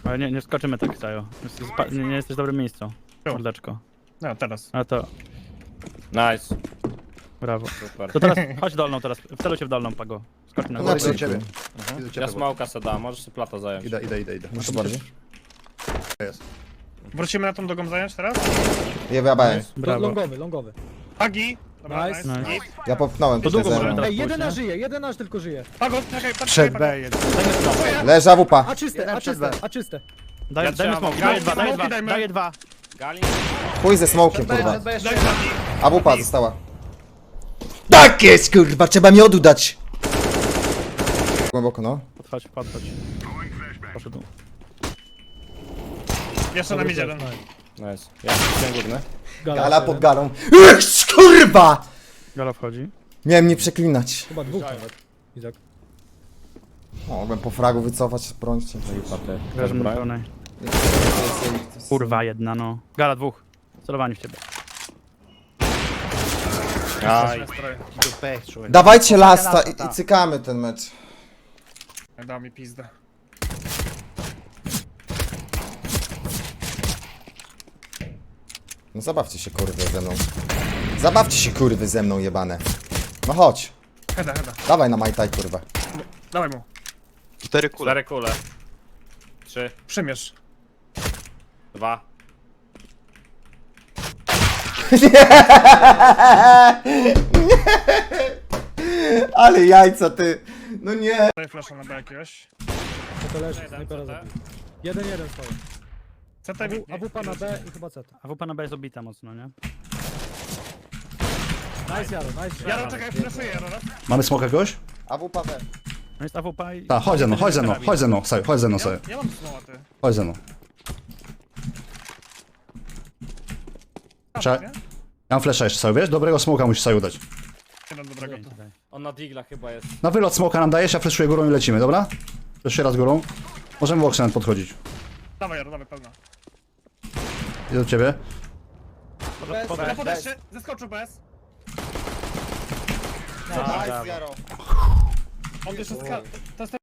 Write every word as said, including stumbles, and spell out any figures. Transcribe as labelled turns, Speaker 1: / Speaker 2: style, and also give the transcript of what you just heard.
Speaker 1: Ale nie, nie skoczymy tak, Sajo. Jesteś spa- Nie, nie jesteś w dobrym miejscu.
Speaker 2: Tu.
Speaker 1: Mordeczko.
Speaker 2: No, teraz.
Speaker 1: A to,
Speaker 3: Nice.
Speaker 1: brawo.
Speaker 3: Super.
Speaker 1: To teraz chodź dolną teraz, wceluj się w dolną, Pago. Skocz na
Speaker 4: No,
Speaker 1: górę.
Speaker 4: idę do ciebie.
Speaker 3: Mhm.
Speaker 4: Idę do ciebie.
Speaker 3: Ja smoka se dam, możesz sobie plata zająć.
Speaker 4: Idę, idę, idę, idę.
Speaker 5: Muszę bardziej.
Speaker 4: Jest.
Speaker 2: Wrócimy na tą drugą zająć teraz?
Speaker 5: Ja wyjebałem.
Speaker 1: Brawo.
Speaker 6: Longowy, longowy.
Speaker 2: Agi! Dobra,
Speaker 6: Nice.
Speaker 2: nice.
Speaker 1: Nice.
Speaker 2: nice.
Speaker 5: Ja popchnąłem
Speaker 1: To
Speaker 5: tutaj
Speaker 1: długo
Speaker 5: zero.
Speaker 1: możemy teraz
Speaker 6: Ej, jeden
Speaker 1: pójść,
Speaker 6: aż
Speaker 1: nie?
Speaker 6: żyje, jeden aż tylko żyje.
Speaker 2: Pago, czekaj, patrz,
Speaker 4: Przed
Speaker 2: Pago.
Speaker 4: B jeden.
Speaker 5: Leży A W P.
Speaker 6: A czyste,
Speaker 4: Jeden
Speaker 6: a
Speaker 4: przed
Speaker 6: czyste,
Speaker 4: B.
Speaker 6: a czyste.
Speaker 1: Daj,
Speaker 3: Ja
Speaker 1: dajmy
Speaker 3: trzymam.
Speaker 1: smoke, daję dwa, daję
Speaker 2: Smoki
Speaker 1: dwa,
Speaker 2: dajmy.
Speaker 1: daję dwa.
Speaker 3: Gali?
Speaker 5: Chuj ze smokiem, kurwa.
Speaker 2: Daj Agi.
Speaker 5: A W P została. Tak jest, kurwa, trzeba miodu dać. Głęboko, no.
Speaker 1: Podchodź, podchodź. Poszedł.
Speaker 2: Jeszcze nam idzie jeden.
Speaker 3: Nice. Ja jestem górny.
Speaker 5: Gala pod galą. Ech, kurwa!
Speaker 1: Gala wchodzi.
Speaker 5: Miałem nie przeklinać.
Speaker 6: Chyba dwóch nawet. Izak.
Speaker 5: Mogłem po fragu wycofać, brońcie.
Speaker 1: Grasz na pełnej. Kurwa jedna, no. Gala dwóch. Celowani w ciebie.
Speaker 3: Aj.
Speaker 4: Do B, człowiek.
Speaker 5: Dawajcie lasta i, i cykamy ten mecz.
Speaker 2: Dał mi pizdę.
Speaker 5: No zabawcie się kurwy ze mną. Zabawcie się kurwy ze mną jebane. No chodź.
Speaker 2: Heda, heda.
Speaker 5: Dawaj na majtaj kurwa.
Speaker 2: Dawaj mu.
Speaker 4: Cztery kule.
Speaker 3: Cztery kule. Trzy,
Speaker 2: Przymierz.
Speaker 3: dwa.
Speaker 5: Ale jajca ty. No nie.
Speaker 2: Daj flasha na B jakiegoś.
Speaker 6: To to leży,
Speaker 3: Jeden,
Speaker 6: snajpera
Speaker 3: co te?
Speaker 6: zabił. Jeden, jeden stoją.
Speaker 2: C T mi...
Speaker 6: A W P na B i chyba C T.
Speaker 1: A W P na B jest obita mocno, nie?
Speaker 6: Nice Jaro, nice
Speaker 2: Jaro, czekaj, flashuję Jaro. raz.
Speaker 7: Mamy smoka goś?
Speaker 5: A W P B.
Speaker 1: No jest A W P i...
Speaker 7: Tak, chodź ze mną, chodź ze mną, chodź ze mną, sobie, chodź ze mną sobie,
Speaker 2: Ja mam smoła, ty.
Speaker 7: chodź ze mną. Cze-
Speaker 2: Nie?
Speaker 7: Ja mam flasha jeszcze sobie, wiesz? Dobrego smoka musisz sobie udać.
Speaker 2: Jeden dobrego tu.
Speaker 3: On na digla chyba jest.
Speaker 7: Na wylot smoka nam dajesz, ja flashuję górą i lecimy, dobra? Jeszcze raz górą. Możemy w oksenat podchodzić.
Speaker 2: Dawaj Jaro, dawaj, pełna.
Speaker 7: Idę do ciebie.
Speaker 2: Na podejście, zeskoczył bez.
Speaker 5: Nice, Jaro.
Speaker 2: On jeszcze ska... To jest